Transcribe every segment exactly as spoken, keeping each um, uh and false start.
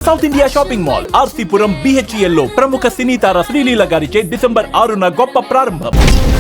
South India shopping mall RC Puram BHEL లో ప్రముఖ సినీ తార శ్రీలీల గారిచే డిసెంబర్ ఆరున గొప్ప ప్రారంభం.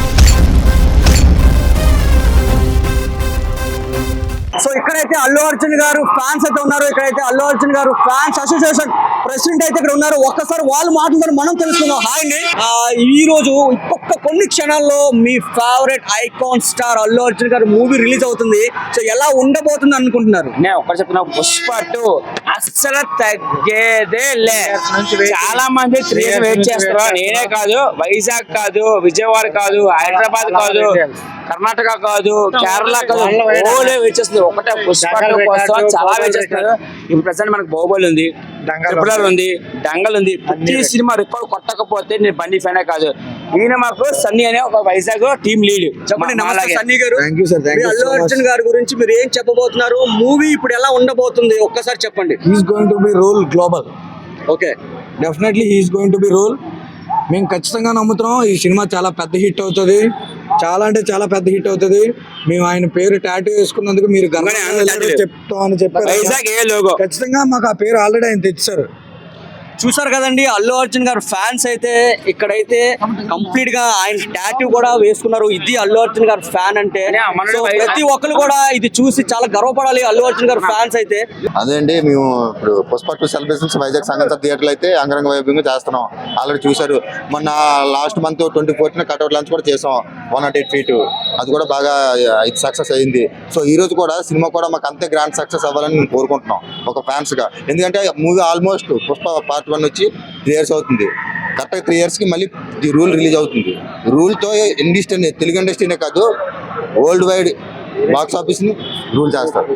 సో ఇక్కడైతే అల్లు అర్జున్ గారు ఫ్యాన్స్ అయితే ఉన్నారు. ఇక్కడైతే అల్లు అర్జున్ గారు ఫ్యాన్స్ అసోసియేషన్ ప్రెసిడెంట్ అయితే ఇక్కడ ఉన్నారు. ఒక్కసారి వాళ్ళు మాట్లాడుతారు, మనం తెలుసుకుందాం. హాయ్ అండి, ఈ రోజు ఇంకొక కొన్ని క్షణాల్లో మీ favourite icon star Allu Arjun garu movie release అవుతుంది. సో ఎలా ఉండబోతుంది అనుకుంటున్నారు? నేను ఒక్కటి చెప్తున్నా, పుష్ప టూ అస్సలు తగ్గేదే లే. చాలా మంది త్రీ వెయిట్ చేస్తారు. నేనే కాదు, వైజాగ్ కాదు, విజయవాడ కాదు, హైదరాబాద్ కాదు, కర్ణాటక కాదు, కేరళ కాదు, ఓలే వెయిట్ చేస్తుంది. ఒకటే పుష్ప టూ కోసం చాలా వెయిట్ చేస్తున్నారు. ఇప్పుడు ప్రెసెంట్ మనకు బాహుబలి ఉంది, ట్రిపులర్ ఉంది, డంగల్ ఉంది. ప్రతి సినిమా రికార్డ్ కొట్టకపోతే నేను బండి ఫ్యానే కాదు. ఈయన మాకు సన్నీ అనే ఒక వైజాగ్ టీమ్ లీడ్. చెప్పండి. నమస్తే సన్నీ గారు. అల్లు అర్జున్ గారి గురించి మీరు ఏం చెప్పబోతున్నారు? మూవీ ఇప్పుడు ఎలా ఉండబోతుంది ఒక్కసారి చెప్పండి. He's going to be rule global. Okay, definitely he's going to be rule. మేము ఖచ్చితంగా నమ్ముతున్నాం ఈ సినిమా చాలా పెద్ద హిట్ అవుతుంది. చాలా అంటే చాలా పెద్ద హిట్ అవుతుంది. మేము ఆయన పేరు టాటూ వేసుకున్నందుకు మీరు చెప్తాం అని చెప్పారు. ఖచ్చితంగా మాకు ఆ పేరు ఆల్రెడీ ఆయన తెచ్చారు. చూసారు కదండి, అల్లు అర్జున్ గారు ఫ్యాన్స్ అయితే ఇక్కడైతే కంప్లీట్ గా ఆయన టాటూ కూడా వేసుకున్నారు. ఇది అల్లు అర్జున్ గారు ఫ్యాన్ అంటే. సో ప్రతి ఒక్కరు కూడా ఇది చూసి చాలా గర్వపడాలి అల్లు అర్జున్ గారు ఫ్యాన్స్ అయితే. అదే అండి, మేము ఇప్పుడు పుష్ప టూ సెలబ్రేషన్స్ వైజాగ్ సంగీత థియేటర్లు అయితే అంగరంగ వైభవంగా చేస్తున్నాం. ఆల్రెడీ చూసారు, మొన్న last month twenty fourth cutout launch కూడా చేసాం. వన్ నాట్ ఎయిట్ ఫీట్ అది కూడా బాగా ఇది సక్సెస్ అయింది. సో ఈ రోజు కూడా సినిమా కూడా మాకు అంతే గ్రాండ్ సక్సెస్ అవ్వాలని మేము కోరుకుంటున్నాం ఒక ఫ్యాన్స్ గా. ఎందుకంటే movie almost Pushpa part one వచ్చి త్రీ ఇయర్స్ అవుతుంది. కరెక్ట్గా త్రీ ఇయర్స్కి మళ్ళీ ది రూల్ రిలీజ్ అవుతుంది. రూల్తో ఇండస్ట్రీ, తెలుగు ఇండస్ట్రీనే కాదు వరల్డ్ వైడ్ బాక్స్ ఆఫీస్ని రూల్ చేస్తారు.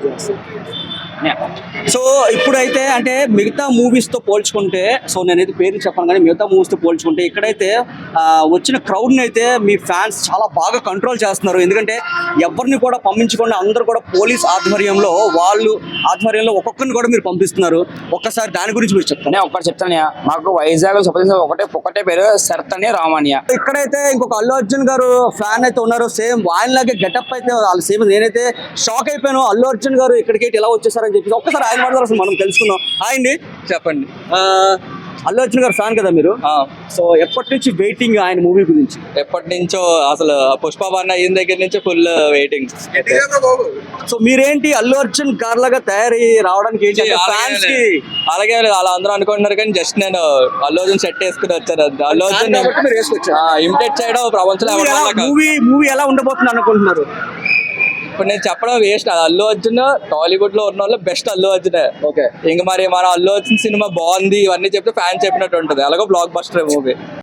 సో ఇప్పుడైతే అంటే మిగతా మూవీస్తో పోల్చుకుంటే, సో నేనైతే పేరు చెప్పాను కానీ మిగతా మూవీస్తో పోల్చుకుంటే ఇక్కడైతే వచ్చిన క్రౌడ్ని అయితే మీ ఫ్యాన్స్ చాలా బాగా కంట్రోల్ చేస్తున్నారు. ఎందుకంటే ఎవరిని కూడా పంపించకుండా అందరూ కూడా పోలీస్ ఆధ్వర్యంలో వాళ్ళు ఆధ్వర్యంలో ఒక్కొక్కరిని కూడా మీరు పంపిస్తున్నారు. ఒక్కసారి దాని గురించి మీరు చెప్తాను. నేను ఒక్కటి చెప్తాను, మాకు వైజాగ్ ఒకటే ఒకటే పేరు సర్తని రామాన్య. ఇక్కడైతే ఇంకొక అల్లు అర్జున్ గారు ఫ్యాన్ అయితే ఉన్నారు. సేమ్ ఆయనలాగే గెటప్ అయితే వాళ్ళు సేమ్. నేనైతే షాక్ అయిపోయాను, అల్లు అర్జున్ గారు ఇక్కడికి ఎలా వచ్చేసారని చెప్పేసి. ఒక్కసారి ఆయన మాట్లాడారు, మనం తెలుసుకుందాం. హాయ్ అండి, చెప్పండి. అల్లు అర్జున్ గారు ఫ్యాన్ కదా మీరు? సో ఎప్పటి నుంచి వెయిటింగ్ ఆయన మూవీ గురించి? ఎప్పటి నుంచో, అసలు పుష్ప వన్ అయిన దగ్గర నుంచి ఫుల్ వెయిటింగ్. సో మీరేంటి అల్లు అర్జున్ గారు లాగా తయారై రావడానికి ఏంటి ఫ్యాన్స్ కి? అలాగే అలా అందరూ అనుకుంటున్నారు కానీ జస్ట్ నేను అల్లు అర్జున్ సెట్ వేసుకుని వచ్చాను. అల్లు అర్జున్ ఇమిటేట్ చేయడం ప్రపంచంలో. మూవీ మూవీ ఎలా ఉండబోతుంది అనుకుంటున్నారు? ఇప్పుడు నేను చెప్పడం వేస్ట్. అల్లు అర్జున్ టాలీవుడ్ లో ఉన్న వాళ్ళు బెస్ట్ అల్లు అర్జునే. ఓకే, ఇంక మరి మన అల్లు అర్జున్ సినిమా బాగుంది ఇవన్నీ చెప్తే ఫ్యాన్ చెప్పినట్టు ఉంటుంది. అలాగే బ్లాక్ బస్టర్ మూవీ.